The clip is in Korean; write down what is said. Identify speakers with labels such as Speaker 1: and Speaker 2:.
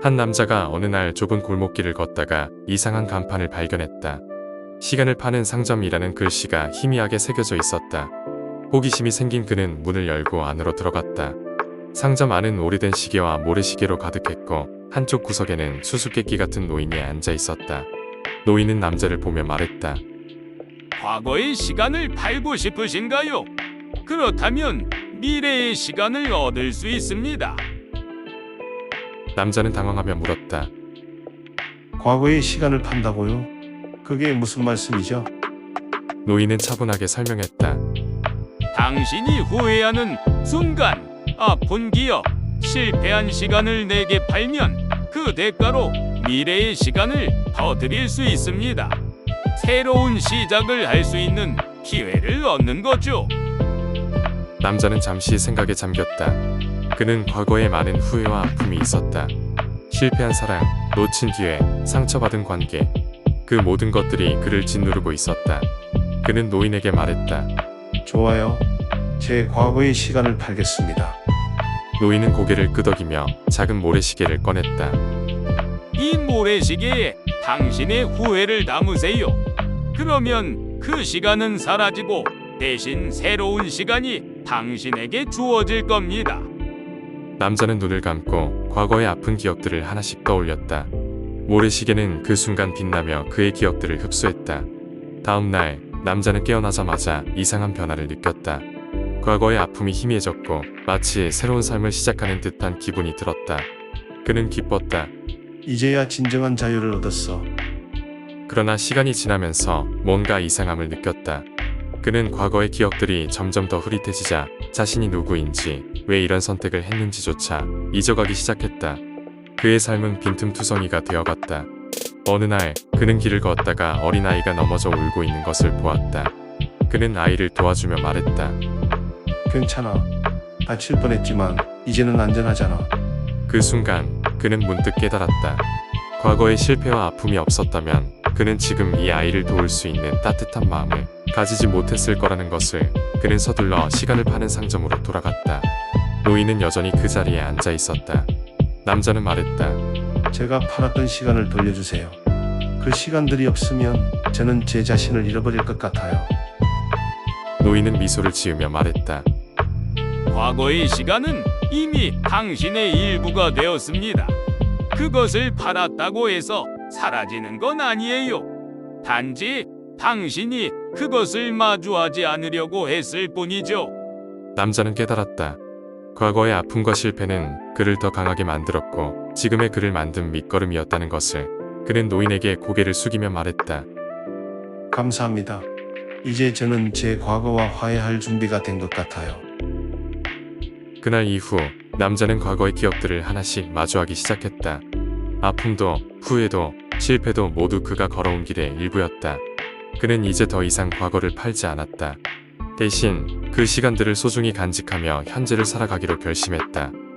Speaker 1: 한 남자가 어느 날 좁은 골목길을 걷다가 이상한 간판을 발견했다. 시간을 파는 상점이라는 글씨가 희미하게 새겨져 있었다. 호기심이 생긴 그는 문을 열고 안으로 들어갔다. 상점 안은 오래된 시계와 모래시계로 가득했고 한쪽 구석에는 수수께끼 같은 노인이 앉아 있었다. 노인은 남자를 보며 말했다.
Speaker 2: 과거의 시간을 팔고 싶으신가요? 그렇다면 미래의 시간을 얻을 수 있습니다.
Speaker 1: 남자는 당황하며 물었다.
Speaker 3: 과거의 시간을 판다고요? 그게 무슨 말씀이죠?
Speaker 1: 노인은 차분하게 설명했다.
Speaker 2: 당신이 후회하는 순간, 아픈 기억, 실패한 시간을 내게 팔면 그 대가로 미래의 시간을 더 드릴 수 있습니다. 새로운 시작을 할 수 있는 기회를 얻는 거죠.
Speaker 1: 남자는 잠시 생각에 잠겼다. 그는 과거에 많은 후회와 아픔이 있었다. 실패한 사랑, 놓친 기회, 상처받은 관계, 그 모든 것들이 그를 짓누르고 있었다. 그는 노인에게 말했다.
Speaker 3: 좋아요. 제 과거의 시간을 팔겠습니다.
Speaker 1: 노인은 고개를 끄덕이며 작은 모래시계를 꺼냈다.
Speaker 2: 이 모래시계에 당신의 후회를 담으세요. 그러면 그 시간은 사라지고 대신 새로운 시간이 당신에게 주어질 겁니다.
Speaker 1: 남자는 눈을 감고 과거의 아픈 기억들을 하나씩 떠올렸다. 모래시계는 그 순간 빛나며 그의 기억들을 흡수했다. 다음 날 남자는 깨어나자마자 이상한 변화를 느꼈다. 과거의 아픔이 희미해졌고 마치 새로운 삶을 시작하는 듯한 기분이 들었다. 그는 기뻤다.
Speaker 3: 이제야 진정한 자유를 얻었어.
Speaker 1: 그러나 시간이 지나면서 뭔가 이상함을 느꼈다. 그는 과거의 기억들이 점점 더 흐릿해지자 자신이 누구인지 왜 이런 선택을 했는지조차 잊어가기 시작했다. 그의 삶은 빈틈투성이가 되어갔다. 어느 날 그는 길을 걷다가 어린아이가 넘어져 울고 있는 것을 보았다. 그는 아이를 도와주며 말했다.
Speaker 3: 괜찮아. 다칠 뻔했지만 이제는 안전하잖아.
Speaker 1: 그 순간 그는 문득 깨달았다. 과거의 실패와 아픔이 없었다면 그는 지금 이 아이를 도울 수 있는 따뜻한 마음을 가지지 못했을 거라는 것을. 그는 서둘러 시간을 파는 상점으로 돌아갔다. 노인은 여전히 그 자리에 앉아 있었다. 남자는 말했다.
Speaker 3: 제가 팔았던 시간을 돌려주세요. 그 시간들이 없으면 저는 제 자신을 잃어버릴 것 같아요.
Speaker 1: 노인은 미소를 지으며 말했다.
Speaker 2: 과거의 시간은 이미 당신의 일부가 되었습니다. 그것을 팔았다고 해서 사라지는 건 아니에요. 단지 당신이 그것을 마주하지 않으려고 했을 뿐이죠.
Speaker 1: 남자는 깨달았다. 과거의 아픔과 실패는 그를 더 강하게 만들었고 지금의 그를 만든 밑거름이었다는 것을. 그는 노인에게 고개를 숙이며 말했다.
Speaker 3: 감사합니다. 이제 저는 제 과거와 화해할 준비가 된 것 같아요.
Speaker 1: 그날 이후 남자는 과거의 기억들을 하나씩 마주하기 시작했다. 아픔도 후회도 실패도 모두 그가 걸어온 길의 일부였다. 그는 이제 더 이상 과거를 팔지 않았다. 대신 그 시간들을 소중히 간직하며 현재를 살아가기로 결심했다.